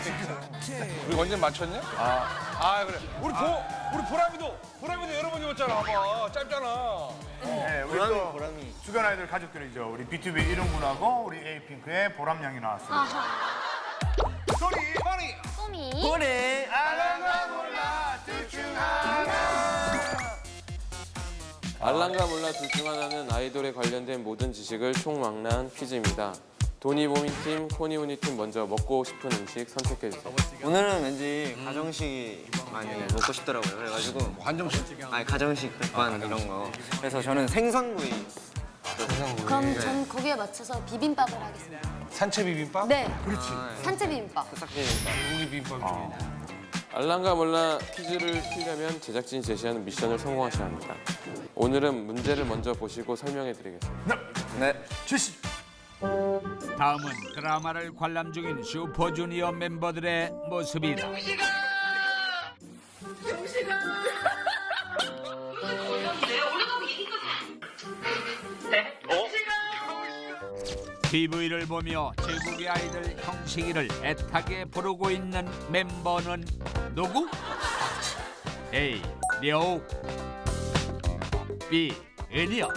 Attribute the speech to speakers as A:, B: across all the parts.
A: 우리 언제 맞췄냐? 그래. 우리 보람이도 여러 번 입었잖아. 봐봐. 짧잖아.
B: 네, 우리 또 주간 아이돌 가족들이죠. 우리 BTOB 이름군하고 우리 에이핑크의 보람양이 나왔습니다. 소리
C: 소미.
B: 보내 알아가 몰라 둘 중 하나.
D: 알랑가 몰라 둘 중 하나는 아이돌에 관련된 모든 지식을 총망라한 퀴즈입니다. 도니보미팀, 코니우니팀 먼저 먹고 싶은 음식 선택해주세요.
E: 오늘은 왠지 가정식이 많이 먹고 싶더라고요. 그래가지고
A: 한정식.
E: 아니 가정식 백반 이런 거. 그래서 저는 생선구이.
C: 그럼 전 거기에 맞춰서 비빔밥을 하겠습니다.
A: 산채 비빔밥?
C: 네. 그렇지. 산채 비빔밥.
A: 고기 비빔밥 중에.
D: 알랑가 몰라 퀴즈를 풀려면 제작진이 제시하는 미션을 성공하셔야 합니다. 오늘은 문제를 먼저 보시고 설명해드리겠습니다.
E: 네.
B: 주시.
F: 다음은 드라마를 관람 중인 슈퍼주니어 멤버들의 모습이다. TV를 보며 제국의 아이들 형식이를 애타게 부르고 있는 멤버는 누구? A. 려욱 B. 은혁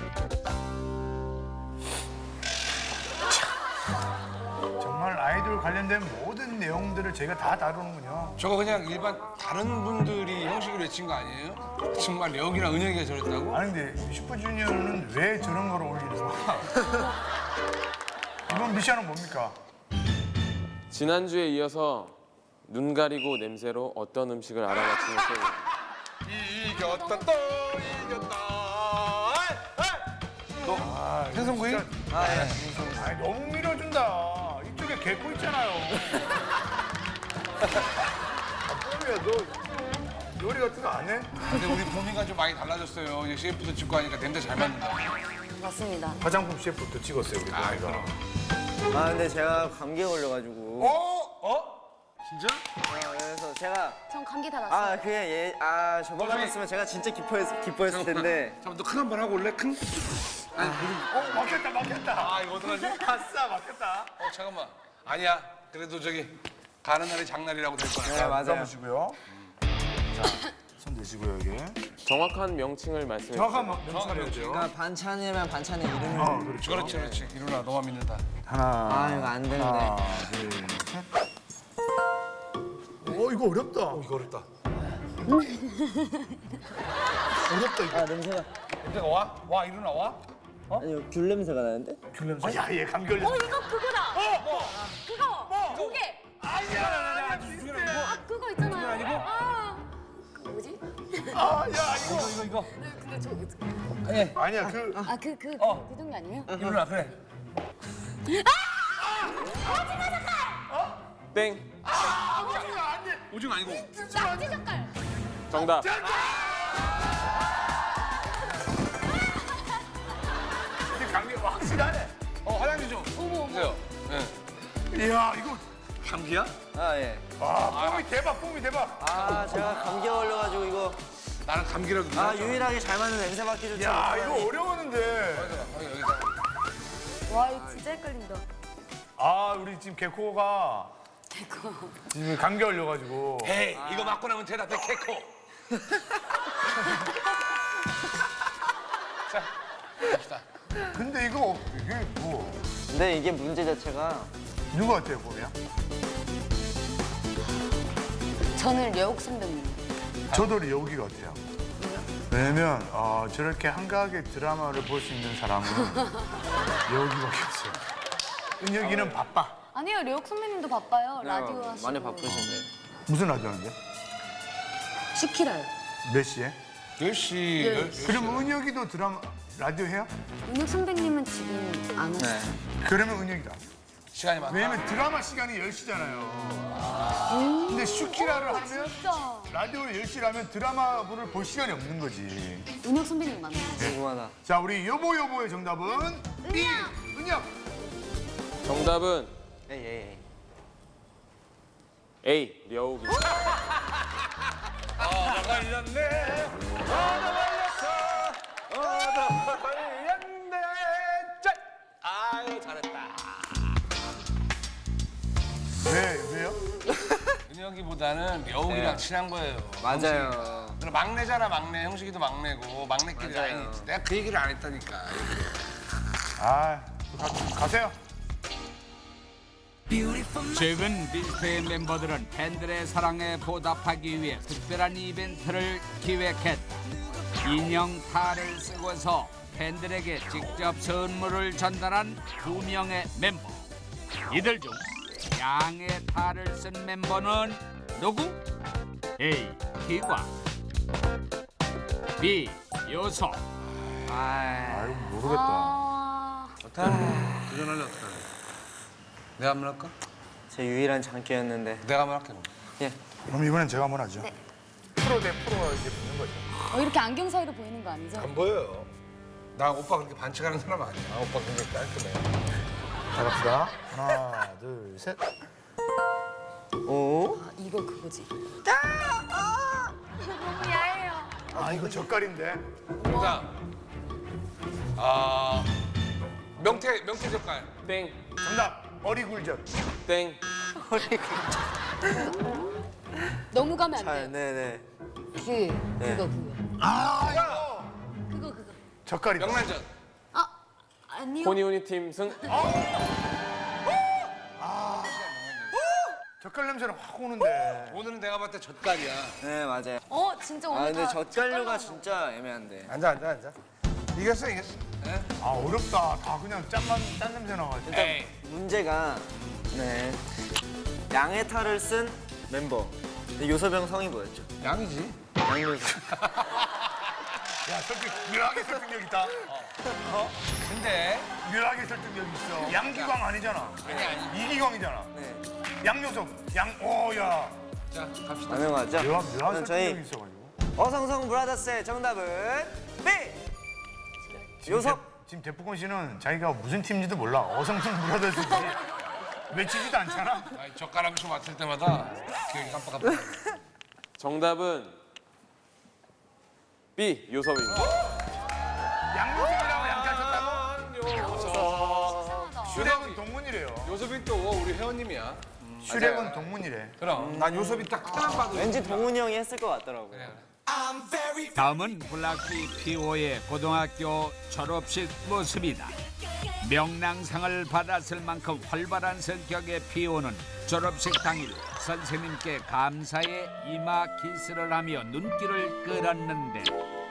B: 정말 아이돌 관련된 모든 내용들을 저희가 다 다루는군요.
A: 저거 그냥 일반 다른 분들이 형식을 외친 거 아니에요? 정말 여기랑 은혁이가 저랬다고?
B: 아니 근데 슈퍼주니어는 왜 저런 걸 올리는 거야? 이번 미션은 뭡니까?
D: 지난주에 이어서 눈 가리고 냄새로 어떤 음식을 알아맞히는 게임입니다.
A: 이겼다 또 이겼다. 생선구이?
B: 아니 너무 밀어준다. 이쪽에 개코 있잖아요. 뽀미야 너 요리 같은 거 안 해?
A: 근데 우리 봄이가 좀 많이 달라졌어요. 이제 CF도 찍고 하니까 냄새 잘 맡는다.
C: 맞습니다.
B: 화장품 셰프도 찍었어요 우리 뽀미가.
A: 그럼.
E: 아 근데 제가 감기에 걸려가지고.
A: 진짜?
E: 그래서 제가
C: 전 감기 다 났어요.
E: 저번 같았으면 제가 진짜 기뻐했을 텐데.
A: 잠깐만 너 큰 한 번 하고 올래? 큰? 아니
B: 막혔다.
A: 이거 어떡하지?
B: 아싸 막혔다.
A: 잠깐만. 아니야. 그래도 저기 가는 날이 장날이라고 될 거야.
E: 네 맞아요.
B: 보시고요. 자, 손 대시고요 여기.
D: 정확한 명칭을 말씀해
B: 정확한
D: 주세요.
B: 명칭을 해야
E: 그러니까 반찬이면 반찬의 이름을.
A: 그렇지. 이루나 너만 믿는다.
B: 하나.
E: 이거 안 되는데.
B: 하나, 둘, 셋. 이거 어렵다.
A: 이거 어렵다.
B: 어렵다 이거.
E: 냄새가.
A: 냄새가 와? 와 이루나 와?
E: 아니 귤 냄새가 나는데?
B: 야, 얘 감기 걸렸어.
C: 이거 그거다. 그거. 조개.
B: 아니야.
C: 그거 있잖아요. 그 뭐지?
B: 야,
A: 이거.
C: 근데 저
B: 아니야, 그.
C: 그 종류 아니에요?
A: 이루나 그래.
D: 땡!
A: 오징어 아니고.
C: 낙지 젓갈.
D: 정답!
B: 감기가 확실하네.
A: 화장지 좀 주세요. 네.
B: 이야, 이거.
A: 감기야?
E: 예.
B: 와, 뽕이 대박.
E: 제가 감기에 걸려가지고 이거.
A: 나는 감기라고.
E: 유일하게 잘 맞는 냄새 맡기 좋죠.
B: 야, 이거 어려웠는데.
A: 여기다.
C: 와 이거 진짜 헷갈린다.
B: 우리 지금 개코가. 지금 감기 걸려가지고.
A: 에이, 이거 맞고 나면 대답해, 개코. 자, 갑시다.
B: 근데 이게 뭐.
E: 근데 이게 문제 자체가.
B: 누구 같아요, 보면?
C: 저는 려욱 선배님.
B: 저도 여기 같아요. 왜냐면 저렇게 한가하게 드라마를 볼 수 있는 사람은 여기밖에 없어요. 은혁이는 바빠.
C: 아니요 려욱 선배님도 바빠요. 라디오 하시고.
E: 많이 바쁘신데.
B: 무슨 라디오 하는데?
C: 시키라요.
B: 몇 시에?
A: 10시.
B: 그럼 은혁이도 드라마 라디오 해요?
C: 은혁 선배님은 지금 안 하시죠?
B: 그러면 은혁이다.
A: 시간이 많다.
B: 왜냐면 드라마 시간이 10시잖아요. 근데 슈키라를 하면
C: 진짜.
B: 라디오를 10시라면 드라마를 볼 시간이 없는 거지.
C: 은혁 선배님 맞나요?
E: 궁금하다.
B: 자, 우리 여보의 정답은 B. 은혁.
D: 정답은
E: 예.
D: A. 려욱입니다.
A: 나 걸렸네. 나 걸렸네. 짠. 아유, 잘했다.
B: 왜요?
A: 친하기보다는 여욱이랑
E: 네.
A: 친한 거예요.
E: 맞아요.
A: 형식이가. 막내잖아, 막내. 형식이도 막내고 막내끼리
E: 맞아요.
A: 라인이 있지. 내가 그 얘기를 안 했다니까.
B: 아, 가세요.
F: 최근 비스트의 멤버들은 팬들의 사랑에 보답하기 위해 특별한 이벤트를 기획했다. 인형 탈을 쓰고서 팬들에게 직접 선물을 전달한 2명의 멤버. 이들 중 양의 탈을 쓴 멤버는 누구? A. 기광, B. 요섭.
B: 아이고 모르겠다.
C: 아,
A: 도전하려 어떡하냐. 내가 한번 할까?
E: 제 유일한 장기였는데.
A: 내가 한번 할게.
E: 예.
B: 그럼 이번엔 제가 한번 하죠.
C: 네.
B: 프로 대 프로가 이제 붙는 거죠.
C: 이렇게 안경 사이로 보이는 거 아니죠?
A: 안 보여요. 나 오빠 그렇게 반칙하는 사람 아니야. 오빠 굉장히 깔끔해.
B: 자 갑시다. 하나, 둘, 셋.
E: 오.
C: 아, 이거 그거지.
B: 아 이거 젓갈인데.
A: 정답. 아 명태 젓갈.
D: 땡,
B: 정답. 어리굴젓.
D: 땡,
C: 너무 가면 안
E: 아,
C: 돼요.
E: 네네.
C: 그거.
B: 아 이거
C: 그거.
B: 젓갈이다.
A: 명란젓.
C: 아, 아니요.
D: 코니우니 팀 승.
B: 젓갈 냄새는 확 오는데.
A: 오늘은 내가 봤을 때 젓갈이야.
E: 네 맞아요.
C: 진짜
E: 아
C: 오늘
E: 근데
C: 다
E: 젓갈류가
C: 젓갈로
E: 진짜 애매한데.
A: 앉아. 이겼어. 네?
B: 아 어렵다. 다 그냥 짠 냄새 나가지고.
A: 에이.
E: 문제가 네 양의 탈을 쓴 멤버. 근데 요섭형 성이 뭐였죠?
A: 양이지.
E: 양요섭.
B: 야 설득 묘하게 설득력 있다.
A: 근데
B: 묘하게 설득력 있어. 양기광 아니잖아.
A: 아니.
B: 이기광이잖아.
E: 네.
B: 양요섭. 오야.
A: 자 갑시다.
E: 가능하죠?
B: 묘한
E: 그럼 저희
B: 설득력이 있어가지고.
E: 어성성 브라더스의 정답은 B. 요섭.
B: 지금 대포권 씨는 자기가 무슨 팀인지도 몰라. 어성성 브라더스인지 외치지도 않잖아.
A: 아니, 젓가락을 맡을 때마다 기억이 깜빡깜빡.
D: 정답은 B. 요섭입니다.
B: 양요섭이라고 양잘 쳤다고? 슈렉은
A: 요섭이.
B: 동문이래요.
A: 요섭이 또 우리 회원님이야.
B: 슈렉은 동문이래.
A: 그럼 난 요섭이 딱 봐도
E: 왠지 동훈이 형이 했을 것 같더라고요.
A: 그래.
F: 다음은 블락비 PO의 고등학교 졸업식 모습이다. 명랑상을 받았을 만큼 활발한 성격의 PO는 졸업식 당일 선생님께 감사의 이마 키스를 하며 눈길을 끌었는데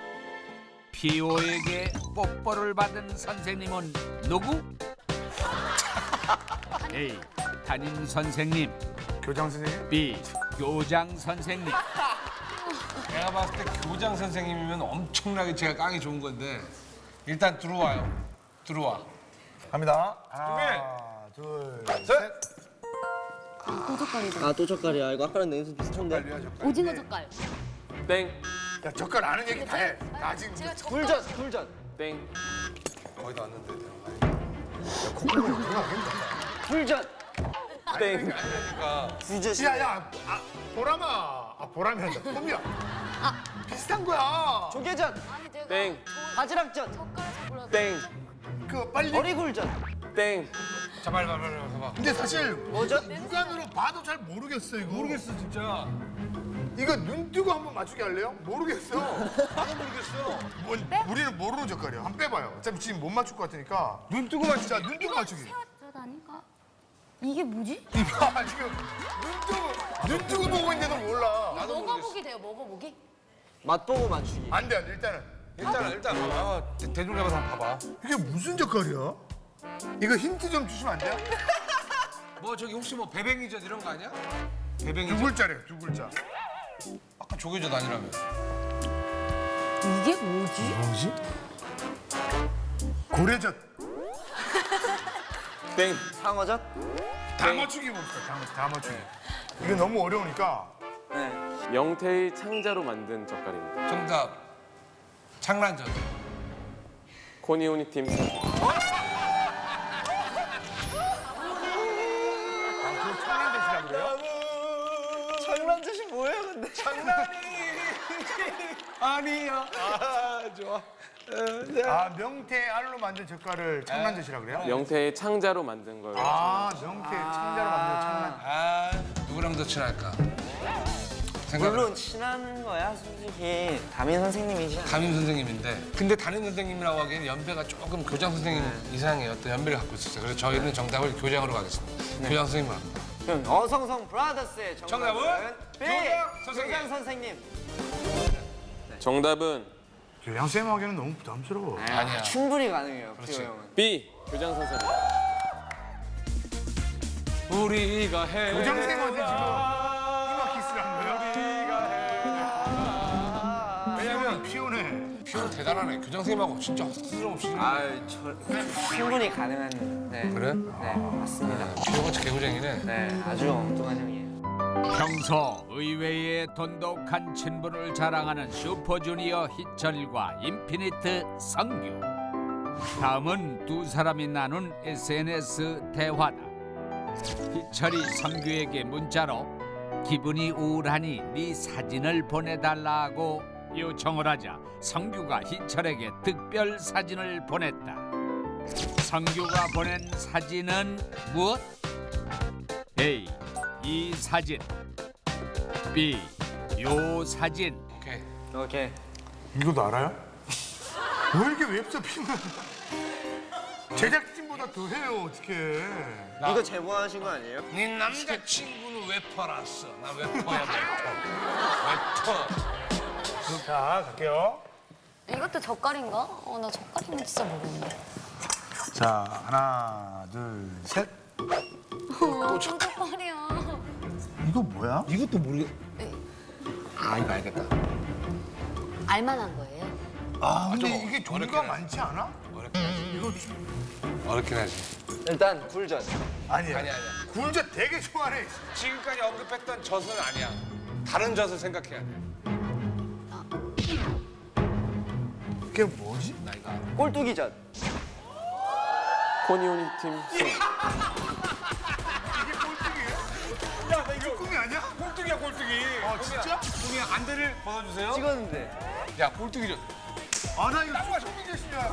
F: PO에게 뽀뽀를 받은 선생님은 누구? A. 담임 선생님,
B: 교장 선생님?
F: B. 교장 선생님.
A: 내가 봤을 때 교장 선생님이면 엄청나게 제가 깡이 좋은 건데 일단 들어와.
B: 갑니다. 하나, 둘, 셋.
C: 또 젓갈이다.
E: 아 또 젓갈이야. 이거 아까랑 냄새 비슷한데.
C: 오징어 젓갈.
D: 땡,
B: 야 젓갈 아는 얘기 다 해. 나 지금
C: 제가 젓갈.
E: 굴젓.
D: 땡,
A: 거의 다 왔는데 내가.
E: 굴젓.
D: 땡,
A: 그러니까
E: 굴젓이.
B: 야야 보람아. 보람이 한다. 꿈이야. 비슷한 거야.
E: 조개젓.
C: 아니 내가
D: 땡,
E: 바지락젓.
C: 젓갈 잡으려고.
D: 땡,
B: 그 빨리.
E: 어리굴젓.
D: 땡.
A: 자 빨리 봐봐.
B: 근데 사실
E: 뭐죠?
B: 육안으로 봐도 잘 모르겠어 이거.
A: 모르겠어 진짜.
B: 이거 눈 뜨고 한번 맞추게 할래요? 모르겠어.
A: 나도 모르겠어.
B: 우리는 모르는 젓갈이야. 한번 빼봐요. 어차피 지금 못 맞출 것 같으니까.
A: 눈 뜨고 맞추자.
B: 자, 눈 뜨고 맞추기.
C: 젓 아닌가? 이게 뭐지?
B: 이봐 지금 눈 뜨고 보고 있는데도 몰라.
A: 나도
C: 먹어보기 돼요. 먹어보기?
E: 맛보고 맞추기.
B: 안 돼, 일단은.
A: 일단 봐봐. 대중 잡아서 한번 봐봐.
B: 이게 무슨 젓갈이야? 이거 힌트 좀 주시면 안 돼요?
A: 뭐 저기 혹시 뭐 배뱅이젓 이런 거 아니야?
B: 두
A: 배뱅이젓?
B: 글자래요, 두 글자.
A: 아까 조개젓 아니라며.
C: 이게 뭐지?
B: 뭐지? 고래젓.
D: 땡.
E: 상어젓.
B: 다 맞추기 봅시다, 다 맞추기. 이거 너무 어려우니까.
E: 네.
D: 명태의 창자로 만든 젓갈입니다.
A: 정답. 창란젓.
D: 코니우니 팀 승.
B: 그 청양젓이라 그래요?
E: 장난젓이 뭐예요 근데?
A: 아니야. 아 좋아.
B: 아, 명태 알로 만든 젓갈을 청란젓이라 그래요?
D: 명태의 창자로 만든 걸.
B: 아, 명태 창자로 만든 청란.
A: 아 누구나 좀 더 친할까?
E: 물론 친한 거야 솔직히 담임 선생님이지 않아?
A: 담임 선생님인데 근데 담임 선생님이라고 하기에는 연배가 조금 교장 선생님 이상의 어떤 연배를 갖고 있었어요. 그래서 저희는 정답을 교장으로 가겠습니다. 교장 선생님으로 합니다.
E: 그럼 어성성 브라더스의 정답은 B!
A: 교장 선생님.
E: 교장 선생님.
D: 정답은
B: 교장 쌤 하기에는 너무 부담스러워.
A: 아니야.
E: 충분히 가능해요
A: 그렇지.
E: 피오 형은.
D: B. 교장 선생님. 우리가 해.
B: 교장 쌤한테 지금 이마 키스를 한 거야?
A: 왜냐면
B: 피곤해.
A: 피오는 대단하네. 교장 선생님하고 진짜 스스럼 없이.
E: 충분히 가능한. 네.
A: 그래?
E: 네 맞습니다.
A: 피오가 개구쟁이네.
E: 네 아주 엉뚱한 형이에요.
F: 평소 의외의 돈독한 친분을 자랑하는 슈퍼주니어 희철과 인피니트 성규. 다음은 두 사람이 나눈 SNS 대화다. 희철이 성규에게 문자로 기분이 우울하니 네 사진을 보내달라고 요청을 하자 성규가 희철에게 특별 사진을 보냈다. 성규가 보낸 사진은 무엇? A. 이 사진. B. 요 사진.
A: 오케이.
E: 오케이.
B: 이것도 알아요? 왜 이렇게 웹서핑을 제작진보다 더 해요 어떻게?
E: 이거 제보하신 거 아니에요?
A: 네 남자친구는 웨퍼라서 나 웨퍼야 웨퍼.
B: 자 갈게요.
C: 이것도 젓갈인가? 나 젓갈이면 진짜 모르는데.
B: 자 하나 둘 셋.
C: 또 젓갈이야.
B: 이거 뭐야?
A: 이것도 모르겠. 아 이거 알겠다.
C: 알만한 거예요?
B: 아 근데
A: 좀
B: 이게 종류가
A: 어렵긴
B: 많지 않아?
A: 어렵긴 하지.
B: 이거
A: 어렵긴 하지.
E: 일단 굴전.
B: 아니야.
A: 아니야.
B: 굴젓 되게 좋아해.
A: 지금까지 언급했던 젖은 아니야. 다른 젖을 생각해야 돼.
B: 그게 뭐지?
A: 나 이거 알아.
E: 꼴뚜기전.
D: 코니오니 팀 승.
B: 이게 꼴뚜기예요? 야나 이거 꿈이 아니야?
A: 꼴뚜기야 꼴뚜기.
B: 아 진짜?
A: 꼴뚜기 안대를 벗어주세요.
E: 찍었는데.
A: 야 꼴뚜기죠.
B: 아나 이거 누가 정민재씨냐?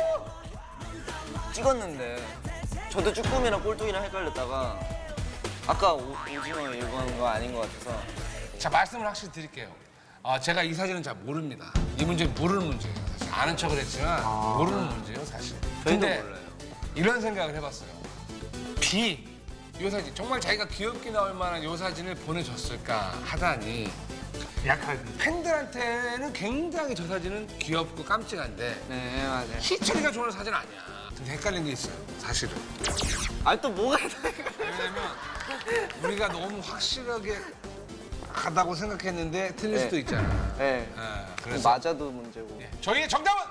E: 찍었는데. 저도 쭈꾸미랑 꼴뚜기랑 헷갈렸다가 아까 오징어 이건 거 아닌 것 같아서.
A: 자 말씀을 확실히 드릴게요. 제가 이 사진은 잘 모릅니다. 이 문제는 모르는 문제예요. 사실 아는 척을 했지만 모르는 문제예요 사실. 근데
E: 몰라요.
A: 이런 생각을 해봤어요. B 이 사진 정말 자기가 귀엽게 나올 만한 이 사진을 보내줬을까 하다니
B: 약하게.
A: 팬들한테는 굉장히 저 사진은 귀엽고 깜찍한데
E: 네 맞아요.
A: 희철이가 좋아하는 사진 아니야. 근데 헷갈린 게 있어요 사실은.
E: 아 또 뭐가 있다니까.
A: 왜냐면 우리가 너무 확실하게 하다고 생각했는데 틀릴
E: 네.
A: 수도 있잖아.
E: 네.
A: 그래서
E: 맞아도 문제고.
A: 저희의 정답은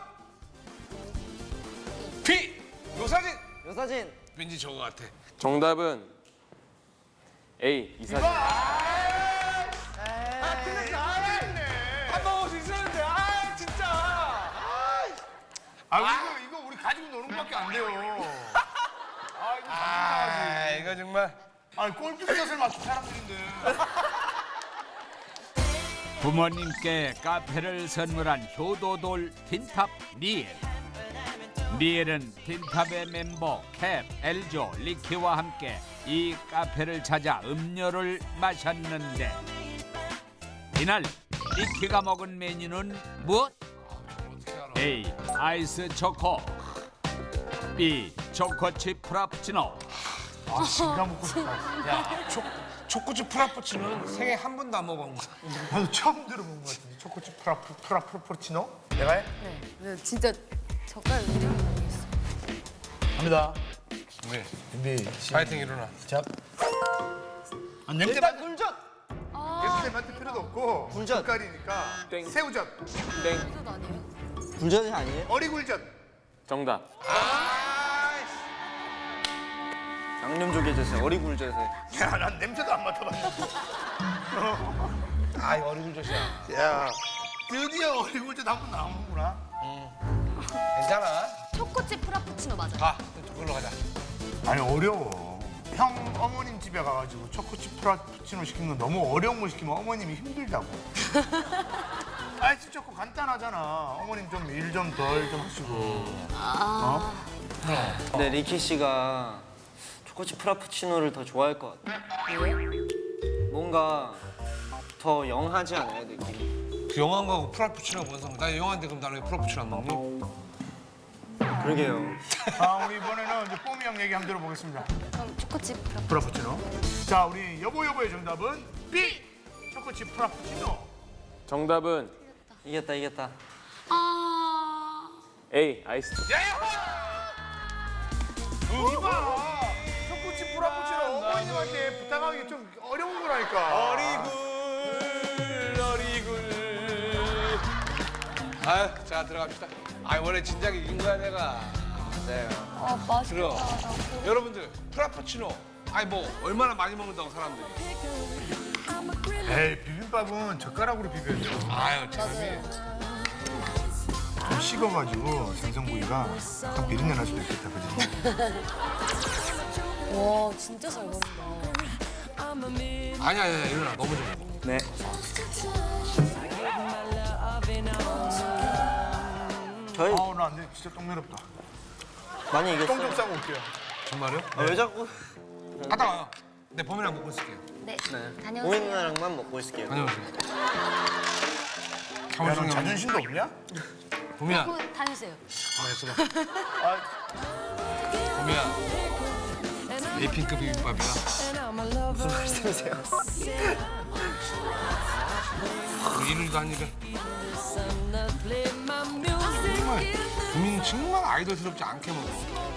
A: B. 요 사진.
E: 요 사진.
A: 왠지 저거 같아.
D: 정답은 A. 이 사진.
A: 한 번 올 수 있었는데 진짜.
B: 이거 우리 가지고 노는 것밖에 안 돼요.
A: 이거 정말.
B: 꼴뚜기젓을 맞춘 사람들인데.
F: 부모님께 카페를 선물한 효도돌 틴탑 니엘. 니엘은 틴탑의 멤버 캡, 엘조, 리키와 함께 이 카페를 찾아 음료를 마셨는데 이날 리키가 먹은 메뉴는 무엇? A. 아이스 초코. B. 초코칩 프라푸치노.
B: 진짜 먹고 싶다.
A: 야, 초코칩 프라푸치노는 생애 한 번도 안 먹어본 거야.
B: 나도 처음 들어본 것 같은데. 초코칩 프라푸치노? 내가 해?
C: 네, 진짜 젓갈 이름이 모르겠어.
B: 갑니다.
A: 네.
B: 준비.
A: 파이팅 일어나.
B: 시작. 냄새
E: 일단 굴전.
B: 냄새 맡을 필요도 없고
E: 굴젓.
B: 젓갈이니까
D: 땡.
B: 새우젓,
D: 땡.
C: 이건 아니에요?
E: 굴전이 아니에요?
B: 어리굴젓.
D: 정답.
E: 양념조개젓에 어리굴젓에.
B: 야, 난 냄새도 안 맡아봤는데.
A: 이거 어리굴젓이야.
B: 야, 드디어 어리굴젓 한 번 나오는구나.
A: 괜찮아.
C: 초코칩 프라푸치노 맞아요.
A: 가. 그걸로 가자.
B: 아니 어려워. 형 어머님 집에 가가지고 초코칩 프라푸치노 시키는 건 너무 어려운 거 시키면 어머님이 힘들다고. 아이스 초코 간단하잖아. 어머님 좀 일 좀 덜 좀 하시고.
E: 근데 리키 씨가 초코칩 프라푸치노를 더 좋아할 것 같아. 뭔가 더 영하지 않아요, 느낌이?
A: 그 영화인 거하고 프라푸치노 뭔 상관? 나 영화인데 그럼 나는 왜 프라푸치노 안 먹니?
E: 그러게요.
B: 아, 우리 이번에는 이제 뽀미 형 얘기 한번 들어보겠습니다.
C: 그럼 초코칩 프라푸치노.
B: 프라푸치노. 자, 우리 여보의 정답은 B. 초코칩 프라푸치노.
D: 정답은
E: 이겼다.
C: 아.
D: A. 아이스티.
B: 이봐. 초코칩 프라푸치노 어머님한테 부탁하기 좀 어려운 거라니까.
A: 어리굴. 아유, 자 들어갑시다. 아, 원래 진작에 이긴 거야 내가. 네.
C: 아 맛있다.
A: 들어. 여러분들 프라푸치노. 아니 뭐 얼마나 많이 먹는다고 사람들이.
B: 에이, 비빔밥은 젓가락으로 비벼야죠.
A: 아유, 제놈이.
B: 좀 식어가지고 생선구이가 약간 비린내 날 수도 있겠다, 그지?
C: 와 진짜 잘 먹는다.
A: 아니야, 일어나. 너무 좀 먹어.
E: 네. 저희
B: 아우, 나 안 돼. 진짜 똥 매렵다.
E: 많이
B: 똥 좀
E: 이겼어요.
B: 싸고 올게요.
A: 정말요?
E: 아, 왜 자꾸
A: 갔다 와요. 내 범이랑 먹고 있을게요.
C: 네.
E: 보민
C: 다녀오세요.
E: 누나랑만 먹고 있을게요.
A: 다녀오세요.
B: 야,
A: 사무실
B: 너 자존심도 없냐?
A: 범이야.
C: 다녀오세요.
A: 가만히 있어봐. 범이야. 에이핑크 비빔밥이야.
E: 무슨 말씀이세요?
A: 이일도 한 입에. 정말 범이는 정말 아이돌스럽지 않게 먹어.